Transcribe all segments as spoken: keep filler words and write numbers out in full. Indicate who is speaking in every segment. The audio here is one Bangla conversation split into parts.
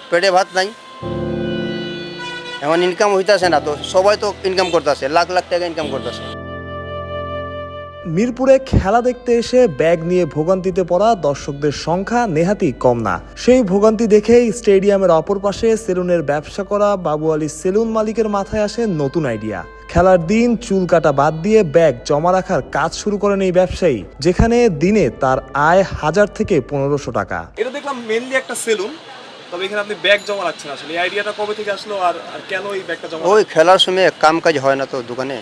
Speaker 1: পেটে ভাত নাই, এমন ইনকাম হইতেছে না, তো সবাই তো ইনকাম করতেছে, লাখ লাখ টাকা ইনকাম করতেছে।
Speaker 2: মিরপুরে খেলা দেখতে এসে ব্যাগ নিয়ে ভোগান্তিতে পড়া দর্শকদের সংখ্যা নেহাতি কম না। সেই ভোগান্তি দেখেই স্টেডিয়ামের অপর পাশে সেলুনের ব্যবসা করা বাবু আলী সেলুন মালিকের মাথায় আসে নতুন আইডিয়া। খেলার দিন চুল কাটা বাদ দিয়ে ব্যাগ জমা রাখার কাজ শুরু করেন এই ব্যবসায়ী, যেখানে দিনে তার আয় হাজার থেকে পনেরোশো টাকা।
Speaker 3: এটা দেখলাম মেইনলি একটা সেলুন, তবে এখানে আপনি ব্যাগ জমা রাখছেন, আসলে এই আইডিয়াটা কবে থেকে আসলো আর আর কেন এই ব্যাগটা জমা?
Speaker 1: ওই খেলার সময় কাম কাজ হয় না তো দোকানে,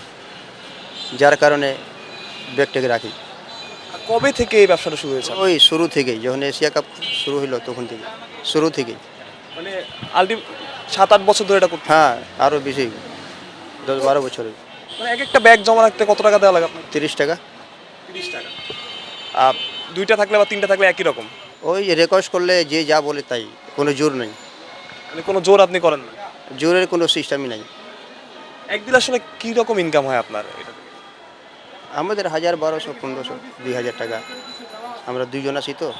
Speaker 1: যার কারণে ব্যাগটাকে রাখি।
Speaker 3: আর কবে থেকে এই ব্যবসাটা শুরু হয়েছে?
Speaker 1: ওই শুরু থেকেই, যখন এশিয়া কাপ শুরু হলো তখন থেকে, শুরু থেকেই।
Speaker 3: মানে আলটি সাত আট বছর ধরে এটা করতে?
Speaker 1: হ্যাঁ, আরও বেশি, দশ বারো বছরে।
Speaker 3: মানে এক একটা ব্যাগ জমা রাখতে কত টাকা দেওয়া লাগে আপনার?
Speaker 1: তিরিশ টাকা।
Speaker 3: তিরিশ টাকা। আর দুইটা থাকলে বা তিনটা থাকলে একই রকম?
Speaker 1: ওই রেকোয়েস্ট করলে যে যা বলে তাই, কোনো জোর নেই।
Speaker 3: মানে কোনো জোর আপনি করেন না?
Speaker 1: জোরের কোনো সিস্টেমই নাই।
Speaker 3: একদিন আসলে কী রকম ইনকাম হয় আপনার এটা থেকে?
Speaker 1: আমাদের হাজার বারোশো পনেরোশো দুই হাজার টাকা, আমরা দুইজন আছি তো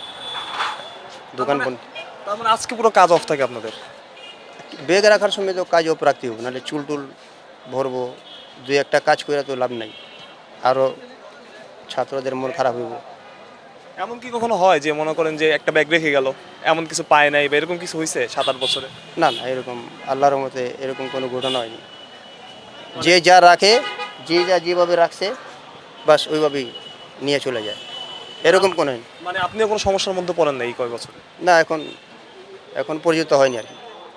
Speaker 1: দোকান।
Speaker 3: তার মানে আজকে পুরো কাজ অফ থাকে আপনাদের?
Speaker 1: ব্যাগ রাখার সময় তো কাজ অফ রাখতে হবে, নাহলে চুল টুল ভরবো, দুই একটা কাজ করে তো লাভ নাই, আরও ছাত্রদের মন খারাপ হইব।
Speaker 3: এমন কি কখনো হয় যে মনে করেন যে একটা ব্যাগ রেখে গেল, এমন কিছু পায় নাই বা এরকম কিছু হয়েছে সাত আট বছরে?
Speaker 1: না না, এরকম আল্লাহর মতে এরকম কোনো ঘটনা হয়নি। যে যা রাখে, যে যা যেভাবে রাখছে বাস ওইভাবেই নিয়ে চলে যায়, এরকম কোনো হয়নি।
Speaker 3: মানে আপনিও কোনো সমস্যার মধ্যে পড়েন না এই কয় বছরে?
Speaker 1: না, এখন এখন পর্যন্ত হয়নি আর কি।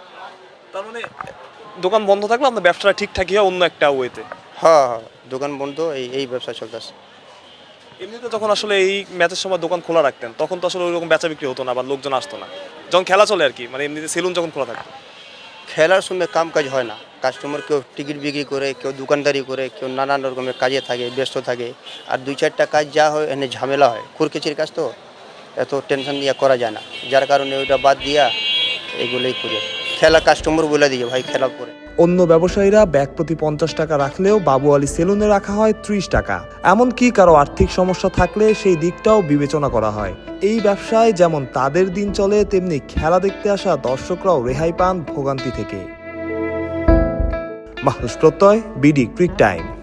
Speaker 3: তার মানে দোকান বন্ধ থাকলে আপনার ব্যবসাটা ঠিকঠাকই হয় অন্য একটা ওয়েতে?
Speaker 1: হ্যাঁ হ্যাঁ, দোকান বন্ধ, এই এই ব্যবসা চলতেছে।
Speaker 3: এমনিতে যখন আসলে এই ম্যাচের সময় দোকান খোলা রাখতেন তখন তো আসলে ওইরকম বেচা বিক্রি হতো না বা লোকজন আসতো না, যখন খেলা চলে আর কি, মানে এমনিতে সেলুন যখন খোলা থাকতো?
Speaker 1: খেলার সময় কাম কাজ হয় না, কাস্টমার কেউ টিকিট বিক্রি করে, কেউ দোকানদারি করে, কেউ নানান রকমের কাজে থাকে, ব্যস্ত থাকে। আর দুই চারটা কাজ যা হয় এনে ঝামেলা হয়, খুরকেচির কাজ তো এত টেনশন দিয়ে করা যায় না, যার কারণে ওইটা বাদ দিয়া এগুলোই করে খেলা কাস্টমার বলে দিয়ে ভাই খেলা করে।
Speaker 2: অন্য ব্যবসায়ীরা ব্যাগ প্রতি পঞ্চাশ টাকা রাখলেও বাবু আলী সেলুনে রাখা হয় ত্রিশ টাকা। এমনকি কারো আর্থিক সমস্যা থাকলে সেই দিকটাও বিবেচনা করা হয়। এই ব্যবসায় যেমন তাদের দিন চলে, তেমনি খেলা দেখতে আসা দর্শকরাও রেহাই পান ভোগান্তি থেকে। মাহরুজ প্রত্যয়, বিডি ক্রিক টাইম।